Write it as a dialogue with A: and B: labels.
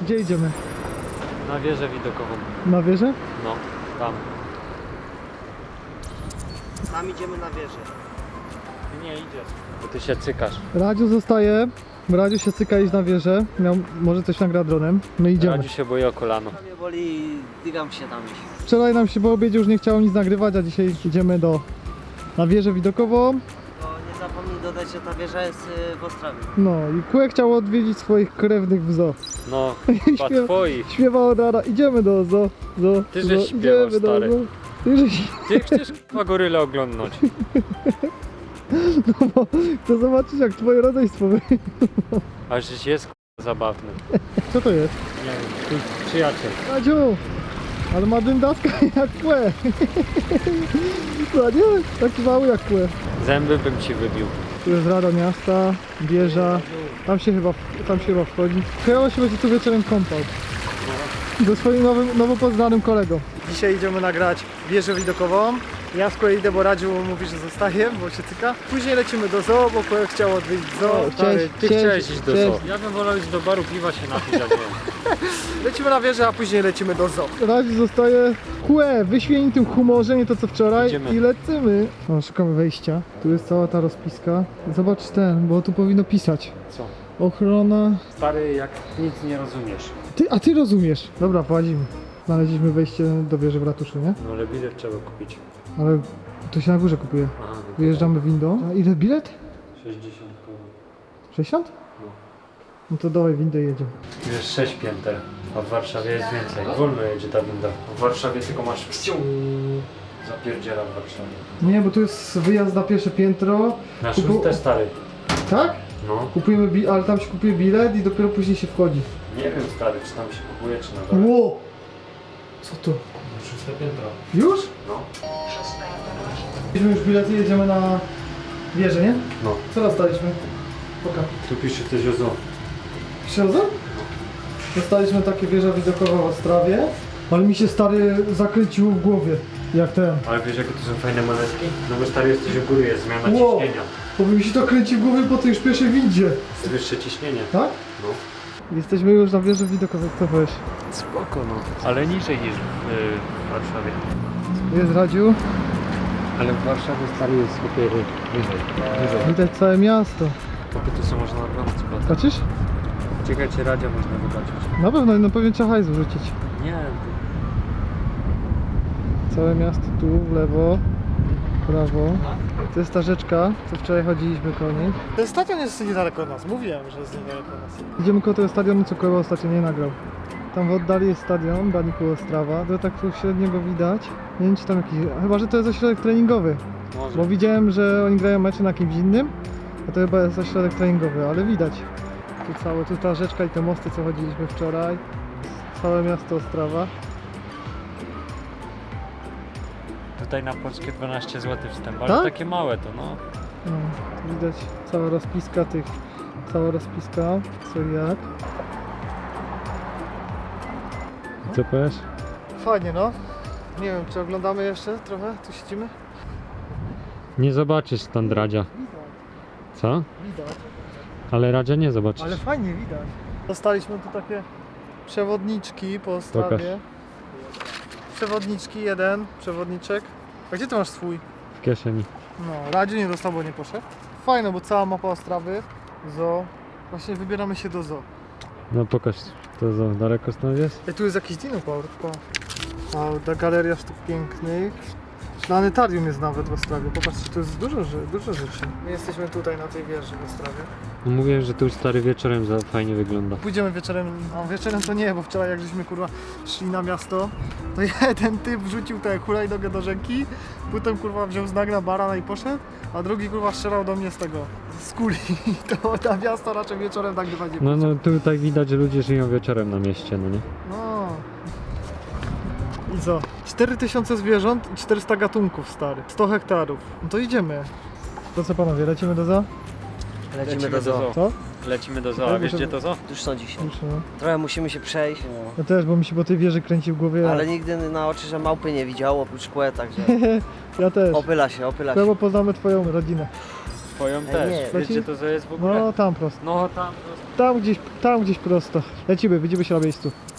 A: Gdzie idziemy?
B: Na wieżę widokową.
A: Na wieżę?
B: No, tam.
C: Tam idziemy na wieżę.
B: Ty nie idziesz. Bo ty się cykasz.
A: Radziu zostaje. Radziu się cyka iść na wieżę. Może coś nagra dronem. My idziemy.
B: Radziu się boi o kolano.
C: Mnie boli, dygam się tam iść.
A: Wczoraj nam się po obiedzie już nie chciało nic nagrywać, a dzisiaj idziemy na wieżę widokową.
C: To nie zapomnij dodać, że ta wieża jest w Ostrawie.
A: No i Kłe chciał odwiedzić swoich krewnych w zoo.
B: No,
A: Śpiewa-
B: chyba twoich.
A: Śpiewał od rana, idziemy do zoo.
B: Ty żeś śpiewał,
A: idziemy do
B: stary.
A: zoo. Ty żeś...
B: Ty chcesz chyba gorylę oglądnąć.
A: No bo chcę zobaczyć jak twoje rodzeństwo wygląda.
B: A żeś jest zabawny.
A: Co to jest?
B: Nie wiem, twój przyjaciel.
A: Radziu! Ale ma dyndaska jak Kłe. No nie? Taki mały jak Kłe.
B: Zęby bym ci wybił.
A: Tu jest Rada Miasta, wieża. Tam się chyba wchodzi. Chyba się będzie tu wieczorem kąpał. Ze swoim nowo poznanym kolegą. Dzisiaj idziemy nagrać wieżę widokową. Ja z kolei idę, bo Radziu mówi, że zostaje, bo się cyka. Później lecimy do zoo, bo Kłe chciał odwiedzić zoo.
B: Stary, ty
A: Cześć,
B: chciałeś iść do
A: cześć.
B: zoo. Ja bym wolał iść do baru piwa się napić, a nie.
A: Lecimy na wieżę, a później lecimy do zoo. Radziu zostaje Kłe, wyśmienitym humorze, nie to co wczoraj.
B: Idziemy.
A: I lecimy. O, szukamy wejścia. Tu jest cała ta rozpiska. Zobacz ten, bo tu powinno pisać.
B: Co?
A: Ochrona.
B: Stary, jak nic nie rozumiesz.
A: A ty rozumiesz. Dobra, prowadzimy. Znaleźliśmy wejście do wieży w ratuszu, nie?
B: No ale bilet trzeba kupić.
A: Ale to się na górze kupuje.
B: Aha, no to
A: Wyjeżdżamy windą. A ile bilet?
B: 60 koło.
A: 60?
B: No.
A: No to dawaj windę i jedziemy.
B: Tu jest 6 pięter, a w Warszawie jest więcej. Wolno jedzie ta winda. W Warszawie tylko masz psiu. Zapierdziela w Warszawie.
A: Nie, bo tu jest wyjazd na pierwsze piętro.
B: Nasz
A: Kupu-
B: też stary.
A: Tak?
B: No.
A: Kupujemy ale tam się kupuje bilet i dopiero później się wchodzi.
B: Nie wiem stary, czy tam się kupuje, czy na dole.
A: Ło! Co to?
B: 6 piętro.
A: Już?
B: No.
A: Kupiliśmy już bilety i jedziemy na wieżę, nie?
B: No.
A: Co dostaliśmy? Pokaż.
B: Tu pisze coś o zoo.
A: Księdza? Dostaliśmy takie wieża widokowa w Ostrawie, ale mi się stary zakręciło w głowie, jak ten.
B: Ale wiesz jakie to są fajne monetki? No bo stary jesteś u góry, jest zmiana
A: Wow.
B: ciśnienia.
A: Bo mi się to kręci w głowie po tej już pierwszej windzie.
B: Jest wyższe ciśnienie.
A: Tak?
B: No.
A: Jesteśmy już na wieży widokowej, co powiesz?
B: Spoko no. Ale niżej niż w Warszawie.
A: Jest Radziu,
B: Ale w Warszawie stary jest wyżej. Wyżej.
A: widać całe miasto.
B: Tu są można oglądać.
A: Patrzysz?
B: Czekajcie, radio można zobaczyć.
A: Na pewno, no pewnie trzeba hajs wrzucić.
B: Nie,
A: Całe miasto tu, w lewo, w prawo. To jest ta rzeczka, co wczoraj chodziliśmy koło niej. Ten stadion jest niedaleko od nas, mówiłem, że jest niedaleko od nas. Idziemy koło tego stadionu, co koło ostatnio nie nagrał. Tam w oddali jest stadion, Baniku Ostrawa, to tak tu średnio go widać. Nie wiem czy tam jakiś, chyba że to jest ośrodek treningowy.
B: może.
A: Bo widziałem, że oni grają mecze na kimś innym, a to chyba jest ośrodek treningowy, ale widać. Tu ta rzeczka i te mosty, co chodziliśmy wczoraj. Całe miasto Ostrawa.
B: Tutaj na polskie 12 zł wstęp, ale
A: Tak?
B: takie małe to no.
A: No, tu widać cała rozpiska co i jak.
B: Co powiesz?
A: Fajnie no. Nie wiem, czy oglądamy jeszcze trochę? Tu siedzimy?
B: Nie zobaczysz stąd Radzia. Co?
A: Widać.
B: Ale Radzia nie zobaczysz.
A: Ale fajnie widać. Dostaliśmy tu takie przewodniczki po Ostrawie. Przewodniczki, przewodniczek. A gdzie ty masz swój?
B: W kieszeni.
A: No, Radziu nie dostał, bo nie poszedł. Fajne, bo cała mapa Ostrawy, zoo. Właśnie wybieramy się do zoo.
B: No pokaż to za daleko stąd jest.
A: Tu jest jakiś dinozaur. A ta galeria sztuk pięknych. Planetarium jest nawet w Ostrawie. Popatrzcie, to jest dużo rzeczy. My jesteśmy tutaj na tej wieży w Ostrawie.
B: No mówiłem, że tu stary wieczorem za fajnie wygląda.
A: Pójdziemy wieczorem, a wieczorem to nie, bo wczoraj jak żeśmy kurwa szli na miasto, to jeden typ wrzucił tę hulajnogę do rzeki, potem kurwa wziął znak na barana i poszedł, a drugi kurwa strzelał do mnie z tego, z kuli. To na miasto raczej wieczorem tak chyba nie
B: No tutaj widać, że ludzie żyją wieczorem na mieście, no nie?
A: No. I co? 4000 zwierząt i 400 gatunków stary. 100 hektarów. No to idziemy. To co panowie, lecimy do zoo?
C: Lecimy do zoo.
A: Co?
B: Lecimy do zoo,
A: Tak,
B: a wiesz
A: muszę-
B: gdzie to zoo?
C: Już są dzisiaj.
A: Już, no.
C: Trochę musimy się przejść,
A: Ja też, bo mi się po tej wieży kręci w głowie.
C: ale nigdy na oczy, że małpy nie widziało oprócz Kłe, także
A: Ja też.
C: opyla się.
A: Bo poznamy twoją rodzinę.
B: Twoją
C: Ej,
B: też.
C: nie.
B: Wiecie to co jest w ogóle?
A: No tam prosto.
B: No tam prosto.
A: Tam gdzieś prosto. Lecimy, widzimy się na miejscu.